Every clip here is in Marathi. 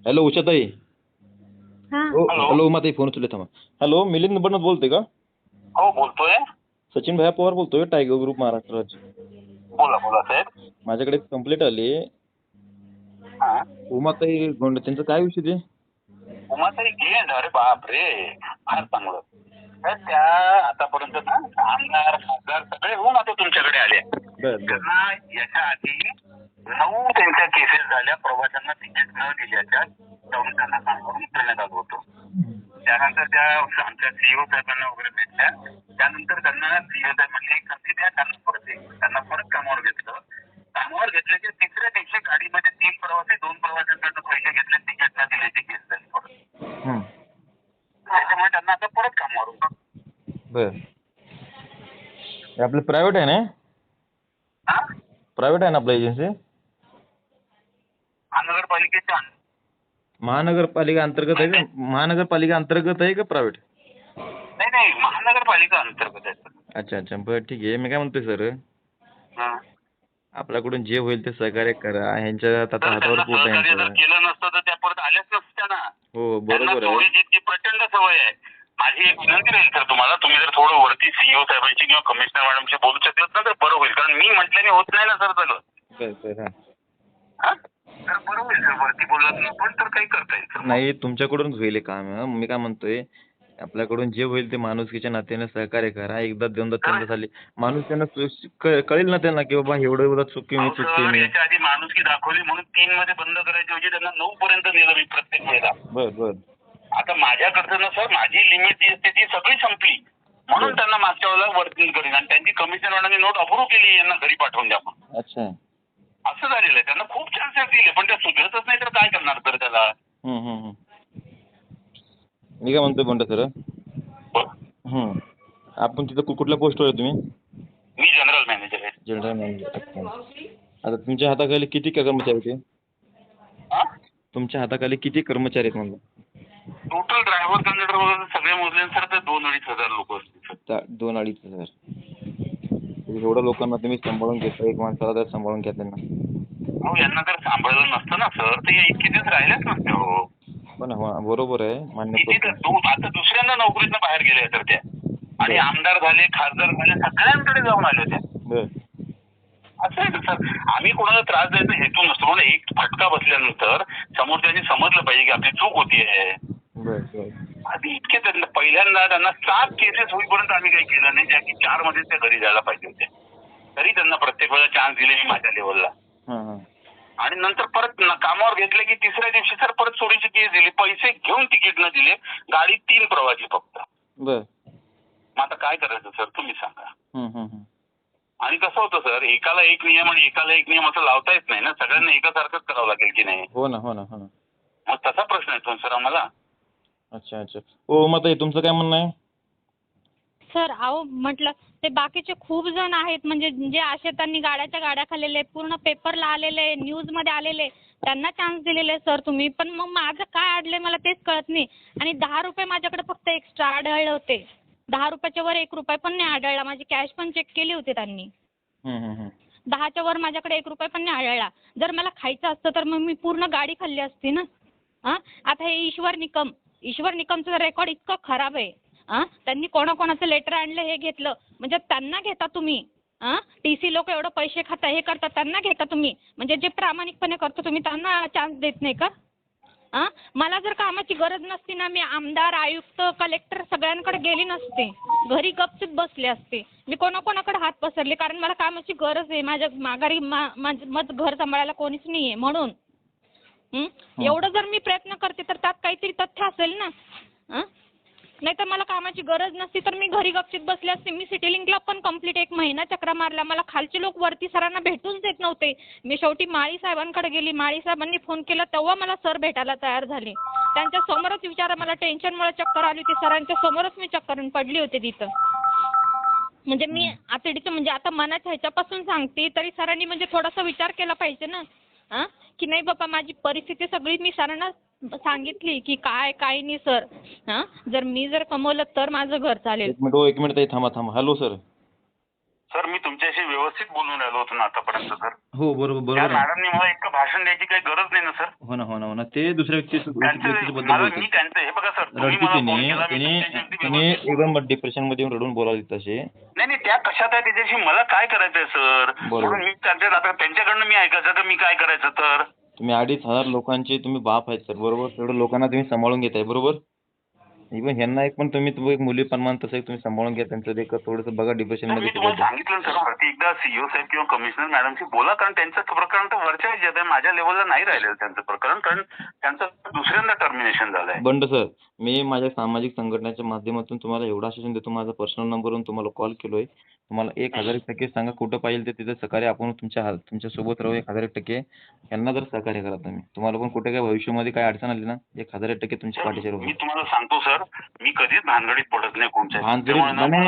हॅलो उषाताई. हा हॅलो उमाताई, फोन उचलले थांबा. हॅलो, मिलिंद बनत बोलते का? हो बोलतोय. सचिन भैया पवार बोलतोय, टायगर ग्रुप महाराष्ट्र राज्य. बोला बोला साहेब. माझ्याकडे कंप्लेंट आली. हा. उमाताई गोंड, त्यांचं काय विषय ते? उमाताई गेंड, अरे बाप रे, फार चांगलं. तर त्या आतापर्यंत ना आमदार खासदार सगळे होऊन आता तुमच्याकडे आले. त्यांना याच्या आधी 9 त्यांच्या केसेस झाल्या, प्रवाशांना तिकीट न दिल्याच्या, त्यांना सांगून करण्यात आलं होतं. त्यानंतर त्या आमच्या सीईओ साहेबांना वगैरे भेटल्या. त्यानंतर त्यांना सीईओ साहेबांनी एक संधी द्या, त्यांना परत कामावर घेतलं. कामावर घेतले की तिसऱ्या दिवशी गाडीमध्ये 3 प्रवासी 2 प्रवाशांकडनं पैसे घेतले, तिकीट न दिल्याची केस झाली परत. त्याच्यामुळे त्यांना आता परत कामावर होतं. बर, आपलं प्रायव्हेट आहे ना? हा, प्रायव्हेट आहे ना आपलं एजन्सी? महानगरपालिकेच्या महानगरपालिका अंतर्गत आहे का? महानगरपालिका अंतर्गत आहे का प्रायव्हेट? नाही महानगरपालिका अंतर्गत आहे. अच्छा अच्छा, बरं ठीक आहे. मी काय म्हणतोय सर, हा. आपल्याकडून जे होईल ते सहकार्य करा. ह्यांच्या आता तर हातावर त्यांना पोट आहे सहकार्य जर ह्यांचं. केलं नसतं तर त्या परत आल्याच नसत्या ना. हो त्यांना बरोबर आहे. चोरीची इतकी प्रचंड सवय आहे. माझी एक विनंती राहील सर तुम्हाला, तुम्ही जर थोडं वरती सीईओ साहेबांशी किंवा कमिशनर मॅडमशी बोलू शकलात ना तर बरं होईल. कारण मी म्हटल्याने होत नाही ना सर झालं. सर हा, तर बरं होईल सर, वरती बोललात ना पण तर काही करता येईल सर. नाही, तुमच्याकडूनच होईल हे काम. मी काय म्हणतोय, आपल्याकडून जे होईल ते माणुसकीच्या नात्याने सहकार्य करा. एकदा दोनदा तीनदा झाली माणूस त्यांना कळेल ना त्यांना की बाबा एवढं चुकी मी चुकते मी. याच्या आधी माणुसकी दाखवली म्हणून 3 मध्ये बंद करायची होती, त्यांना 9 पर्यंत नेलं मी प्रत्येक वेळेला. बर. आता माझ्याकडचं ना सर, माझी लिमिट जी असते ती सगळी संपली म्हणून त्यांना मागच्या वेळेला वर्किंग करीन आणि त्यांची कमिशन वाढवणी नोट अप्रूव्ह केली, यांना घरी पाठवून द्या म्हणून. अच्छा. असं झालेलं आहे. त्यांना खूप चान्सेस दिले पण त्या सुधरतच नाही तर काय करणार तर त्याला. मी काय म्हणतोय बंड सर, आपण तिथं कुठल्या पोस्टवर आहे तुम्ही? मी जनरल मॅनेजर आहे. General manager. अच्छा. आता तुमच्या हाताखाली किती कर्मचारी आहेत? तुमच्या हाताखाली किती कर्मचारी आहेत म्हणलं? टोटल ड्रायव्हर कंडक्टर वगैरे सगळे मोजले सर तर 2-2.5 हजार लोक असतील. 2-2.5 हजार. एवढ्या लोकांना तुम्ही सांभाळून घेता, एक माणसाला तर सांभाळून घ्या त्यांना. हो, यांना जर सांभाळलं नसतं ना सर तर इतके दिवस राहिलेच नसते. हो पण बरोबर आहे, मान्य करतो. आता दुसऱ्यांदा नोकरीतनं बाहेर गेले तर त्या, आणि आमदार झाले खासदार झाले सगळ्यांकडे जाऊन आले त्या. असं आहे सर, आम्ही कोणाला त्रास द्यायचा हेतू नसतो. पण एक फटका बसल्यानंतर समोरच्यानी समजलं पाहिजे की आपली चूक होती आहे. आधी इतके पहिल्यांदा त्यांना 7 केसेस होईपर्यंत आम्ही काही केलं नाही, ज्या की 4 मध्ये त्या घरी जायला पाहिजे होते. तरी त्यांना प्रत्येक वेळेला चान्स दिले मी माझ्या लेवलला. आणि नंतर परत कामावर घेतले की तिसऱ्या दिवशी सर परत चोरीची केस दिली, पैसे घेऊन तिकीट न दिले, गाडी 3 प्रवासी फक्त. मग आता काय करायचं सर तुम्ही सांगा. आणि कसं होतं सर, एकाला एक नियम आणि एकाला एक नियम असं लावता येत नाही ना, सगळ्यांना एकासारखंच करावं लागेल की नाही. हो ना. मग तसा प्रश्न येतो सर आम्हाला. अच्छा. हो मग तुमचं काय म्हणणं आहे? सर, अहो म्हटलं ते बाकीचे खूप जण आहेत, म्हणजे जे असे त्यांनी गाड्या खाल्लेले, पूर्ण पेपरला आलेले, न्यूज मध्ये आलेले, त्यांना चान्स दिलेले सर तुम्ही. पण मग माझं काय अडलंय मला तेच कळत नाही. आणि 10 रुपये माझ्याकडे फक्त एक्स्ट्रा आढळले होते. 10 रुपयाच्या वर 1 रुपया पण नाही आढळला. माझी कॅश पण चेक केली होती त्यांनी. 10च्या वर माझ्याकडे 1 रुपया पण नाही आढळला. जर मला खायचं असतं तर मग मी पूर्ण गाडी खाल्ली असती ना. आता हे ईश्वर निकमचं रेकॉर्ड इतकं खराब आहे. त्यांनी कोणाकोणाचं लेटर आणलं हे घेतलं, म्हणजे त्यांना घेता तुम्ही. TC लोक एवढं पैसे खाता हे करतात, त्यांना घेता तुम्ही. म्हणजे जे प्रामाणिकपणे करतो तुम्ही त्यांना चान्स देत नाही का? मला जर कामाची गरज नसती ना, मी आमदार आयुक्त कलेक्टर सगळ्यांकडे गेली नसते, घरी गपचूप बसले असते. मी कोणाकोणाकडे हात पसरले कारण मला कामाची गरज आहे. माझ्या माघारी माझं घर सांभाळायला कोणीच नाही आहे म्हणून. एवढं जर मी प्रयत्न करते तर त्यात काहीतरी तथ्य असेल ना. नाही तर मला कामाची गरज नसती तर मी घरी गपचीत बसले असते. मी सिटी लिंकला पण कंप्लीट 1 महिना चक्रा मारला. मला खालचे लोक वरती सरांना भेटूच देत नव्हते. मी शेवटी माळी साहेबांकडे गेली. माळी साहेबांनी फोन केला तेव्हा मला सर भेटायला तयार झाले. त्यांच्या समोरच विचारा, मला टेन्शनमुळे चक्कर आली होती. सरांच्या समोरच मी चक्कर पडली होती तिथं. म्हणजे मी आतडीचं म्हणजे आता मनाच्या ह्याच्यापासून सांगते तरी सरांनी म्हणजे थोडासा विचार केला पाहिजे ना. की नाही बाबा माझी परिस्थिती सगळी मी सरांना सांगितली की काय नाही सर. जर मी कमवलं तर माझं घर चालेल. 1 मिनिट थांबा. Hello sir. सर मी तुमच्याशी व्यवस्थित बोलून राहिलो होतो ना आतापर्यंत सर. हो बरोबर त्या बरोबर आहे. मॅडमनी मला इतकं भाषण द्यायची काही गरज नाही ना सर. हो ना हो ना हो ना ते दुसऱ्या व्यक्तीबद्दल मला मी बोलतात. त्यांचं हे बघा सर, तुम्ही रडती मला फोन तिने केला, मी तिने तुमच्याशी अगदी तिने व्यवस्थित एकदम डिप्रेशन मध्ये येऊन रडून बोलावली तसे. नाही नाही, त्या कशात आहे त्याच्याशी मला काय करायचंय सर. बरोबर. म्हणून मी आता त्यांच्याकडनं मी ऐकायचं तर मी काय करायचं तर. तुम्ही 2,500 लोकांचे तुम्ही बाप आहेत सर बरोबर. तेवढं लोकांना तुम्ही सांभाळून घेताय बरोबर. इव्हन ह्यांना एक पण तुम्ही एक मुलीप्रमाणे तसं एक तुम्ही सांभाळून घ्या त्यांचं एक थोडंसं बघा डिप्रेशन नाही, मध्ये मी तुम्हाला सांगितलं सर, वरती एकदा सीईओ साहेब किंवा कमिशनर मॅडमशी बोला, कारण त्यांचं प्रकरण तर वरच्या ह्याच्यात आहे, माझ्या लेवलला नाही राहिलेलं त्यांचं प्रकरण, कारण त्यांचं दुसऱ्यांदा टर्मिनेशन झालंय. बंड सर मी माझ्या सामाजिक संघटनेच्या माध्यमातून तुम्हाला एवढं आश्वासन देतो, माझा पर्सनल नंबरवरून तुम्हाला कॉल केलोय. तुम्हाला 1,000% सांगा कुठं पाहिजे ते तिथं सहकार्य आपण तुमच्या सोबत राहू. 1,000% यांना जर सहकार्य करा तुम्ही. तुम्हाला पण कुठे काय भविष्यामध्ये काय अडचण आली ना 1,000% तुमच्या पाठीशी राहू. मी तुम्हाला सांगतो सर, मी कधीच भानगडीत पडत नाही कोणत्या. भानगडीत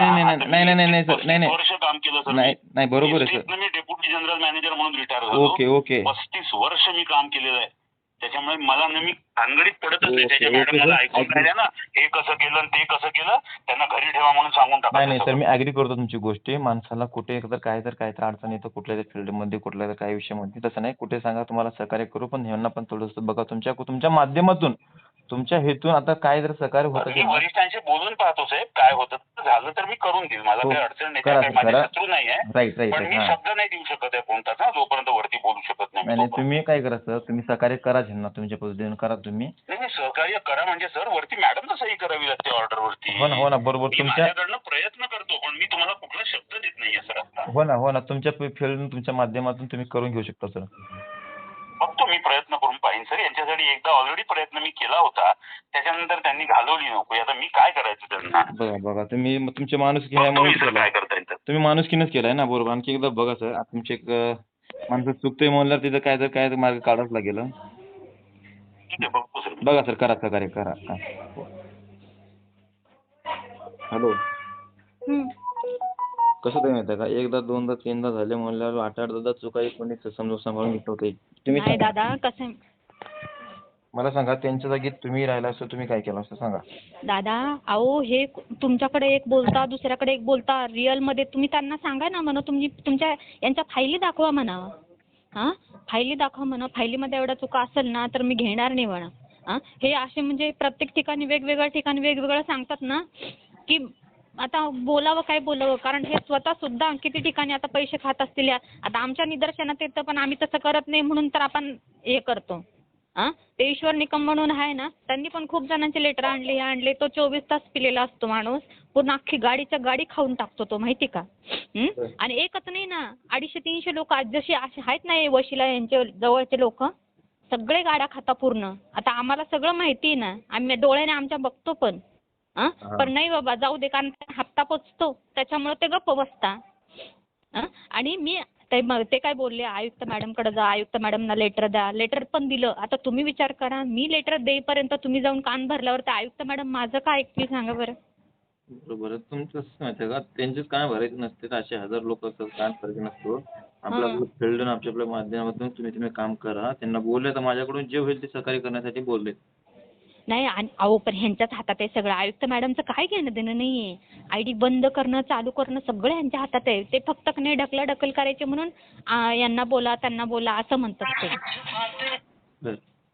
नाही सर नाही वर्ष काम केलं सर. नाही बरोबर आहे सर. मी डेप्युटी जनरल मॅनेजर म्हणून रिटायर झालो. ओके 35 वर्ष मी काम केलेलं आहे. त्याच्यामुळे मला नेहमी भानगडीत पडतच नाही. ओके, त्याच्या ओके, मॅडम मला सर. ऐकून राहिल्या ना, हे कसं केलं आणि ते कसं केलं, त्यांना घरी ठेवा म्हणून सांगून नाही सर टाकायचं. मी ऍग्री करतो तुमची गोष्टी. माणसाला कुठे काय तर अडचण येतं कुठल्या फील्डमध्ये कुठल्या काय विषयामध्ये तसं नाही. कुठे सांगा तुम्हाला सहकार्य करू, पण ह्यांना पण थोडंसं बघा तुमच्या माध्यमातून तुमच्या हेतून आता काय जर सहकार्य होत मी असेल ना. वरिष्ठांशी बोलून पाहतो साहेब, काय होतं झालं तर मी करून देईल. मला हो, काही अडचण नाही, करा काही सर, माझे करा. शत्रू नाही आहे. राईट पण मी हां. शब्द नाही देऊ शकत आहे कोणताच ना, जोपर्यंत वरती बोलू शकत नाही मी नाही तोपर्यंत. तुम्ही काय करा सर, तुम्ही सहकार्य करा ह्यांना तुमच्या पद्धतीने करा तुम्ही. नाही सहकार्य करा म्हणजे सर, वरती मॅडम सही करावी लागते ऑर्डर वरती. हो ना बरोबर. मी तुमच्या माझ्याकडनं प्रयत्न करतो, पण मी तुम्हाला कुठला शब्द देत नाहीये सर आता. हो ना तुमच्या फील्ड तुमच्या माध्यमातून तुम्ही करून घेऊ शकता सर. बघतो मी प्रयत्न करून पाहिन सर. यांच्यासाठी एकदा ऑलरेडी प्रयत्न मी केला होता, त्याच्यानंतर त्यांनी घालवली नोकरी. आता मी काय करायचं त्यांना. बघा तुम्ही तुमचे माणुसकी बघतो ह्यामुळे मी सर काय करता येईल तर. तुम्ही माणुसकीनंच केलाय ना बरोबर. आणखी एकदा बघा सर तुमचे एक माणसं चुकतोय म्हणल्यावर तिथं काय मार्ग काढावंच लागेल. ठीक आहे, बघतो सर. बघा सर करा सहकार्य करा. हॅलो कसं ते माहिती आहे का, एकदा दोनदा तीनदा झाले म्हणल्यावर 8-8 दादा चुका कोणी समजून सांभाळून घेत होते. तुम्ही नाही दादा कसं मला सांगा त्यांच्या जागी तुम्ही राहिला असतो तुम्ही काय केलं असतं सांगा. दादा अहो हे तुमच्याकडे एक बोलता दुसऱ्याकडे एक बोलता. रिअल मध्ये तुम्ही त्यांना सांगा ना म्हणा, तुम्ही तुमच्या यांच्या फायली दाखवा म्हणा. हां फायली दाखवा म्हणा. फायलीमध्ये एवढ्या चुका असेल ना तर मी घेणार नाही म्हणा. हां हे असे म्हणजे प्रत्येक ठिकाणी वेगवेगळ्या ठिकाणी वेगवेगळं सांगतात ना की आता बोलावं काय बोलावं, कारण हे स्वतः सुद्धा किती ठिकाणी आता पैसे खात असतील. आता आमच्या निदर्शनात येतं पण आम्ही तसं करत नाही म्हणून तर आपण हे करतो. ते ईश्वर निकम म्हणून आहे ना, त्यांनी पण खूप जणांचे लेटर आणले. तो 24 तास पिलेला असतो माणूस. पूर्ण अख्खी गाडीच्या गाडी खाऊन टाकतो तो, माहिती का. आणि एकच नाही ना, 250-300 लोक जशी असे आहेत ना हे वशिला यांचे जवळचे लोक, सगळे गाड्या खाता पूर्ण. आता आम्हाला सगळं माहिती आहे ना, आम्ही डोळ्याने आमच्या बघतो पण. पण नाही बाबा जाऊ दे, कारण हप्ता पोचतो त्याच्यामुळे ते गप्प बसता. आणि मी ते काय बोलले, आयुक्त मॅडमकडे जा, आयुक्त मॅडमना लेटर द्या. लेटर पण दिलं. आता तुम्ही विचार करा, मी लेटर देईपर्यंत तुम्ही जाऊन कान भरल्यावर ते आयुक्त मॅडम माझं काय ऐकतील सांगा बरं. बरोबर आहे तुमचं. कसं माहिती का, त्यांचेच काय भरायचे नसते. असे 1000 लोक असतात, काय फरक नसतो. आपलं फील्ड आणि आपल्या माध्यमातून तुम्ही काम करा. त्यांना बोलले तर माझ्याकडून जे होईल ते सहकार्य करण्यासाठी बोलले. नाही आणि अहो पण ह्यांच्याच हातात आहे सगळं. आयुक्त मॅडमचं काय घेणं देणं नाहीये. आयडी बंद करणं चालू करणं सगळं यांच्या हातात आहे. ते फक्त नाही ढकल करायचे म्हणून यांना बोला त्यांना बोला असं म्हणतात ते.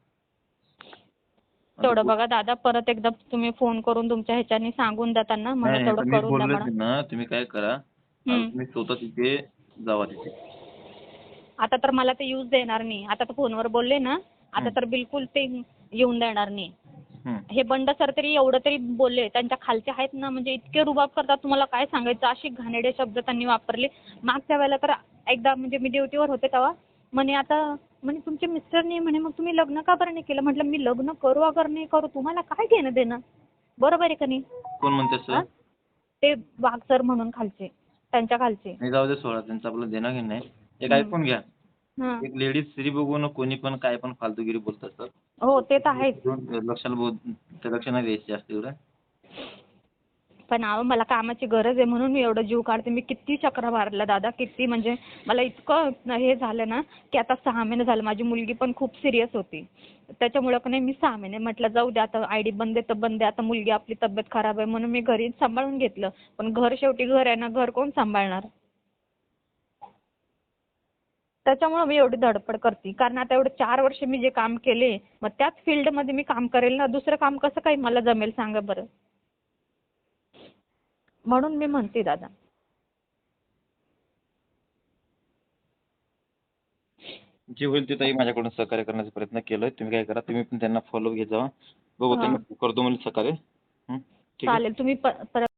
तेवढं बघा दादा, परत एकदा तुम्ही फोन करून तुमच्या ह्याच्यानी सांगून द्या त्यांना, मला तेवढं करून द्या म्हणा. तुम्ही काय करा, तुम्ही स्वतः तिथे जावा तिथे. आता तर मला ते यूज देणार नाही. आता तर फोनवर बोलले ना, आता तर बिलकुल ते येऊन देणार नाही. हे बंड सर तरी एवढं तरी बोलले. त्यांच्या खालचे आहेत ना, म्हणजे इतके रुबाब करतात तुम्हाला काय सांगायचं. अशी घाणेरडे शब्द त्यांनी वापरले. मागच्या वेळेला तर एकदा म्हणजे मी ड्युटीवर होते तेव्हा म्हणे, आता म्हणे तुमचे मिस्टर नाही म्हणे, मग तुम्ही लग्न का बरं नाही केलं. म्हटलं मी लग्न करू अगर नाही करू तुम्हाला काय घेणं देणं. बरोबर आहे का नाही. कोण म्हणते सर. ते वाघ सर म्हणून खालचे, त्यांच्या खालचे. नाही जाऊ दे सोडा, त्यांचं आपलं देणं घेणं आहे. एक ऐकून घ्या, एक लेडीज स्त्री बघून कोणी पण काय पण फालतूगिरी बोलत असतात. हो ते तर आहेच. लक्ष नाही द्यायचं जास्त एवढं. पण अहो मला कामाची गरज आहे म्हणून मी एवढं जीव काढते. मी किती चक्रा मारल्या दादा, किती म्हणजे मला इतकं हे झालं ना की आता 6 महिने झालं. माझी मुलगी पण खूप सिरियस होती. त्याच्यामुळं का नाही मी 6 महिने म्हटलं जाऊ दे आता, आयडी बंद आहे तर बंद आहे. आता मुलगी आपली तब्येत खराब आहे म्हणून मी घरी सांभाळून घेतलं. पण घर शेवटी घर आहे ना, घर कोण सांभाळणार. त्याच्यामुळे मी एवढी धडपड करते. कारण आता एवढे 4 वर्ष मी जे काम केले, मग त्याच फील्डमध्ये मी काम करेल ना. दुसरं काम कसं काही मला जमेल सांगा बरं. म्हणून मी म्हणते दादा. जे होईल ते ताई माझ्याकडून सहकार्य करण्याचा प्रयत्न केलोय. तुम्ही काय करा, तुम्ही पण त्यांना फॉलो घेत जावा. बघू त्यांनी करतो म्हणजे सहकार्य. ठीक आहे. चालेल. तुम्ही परत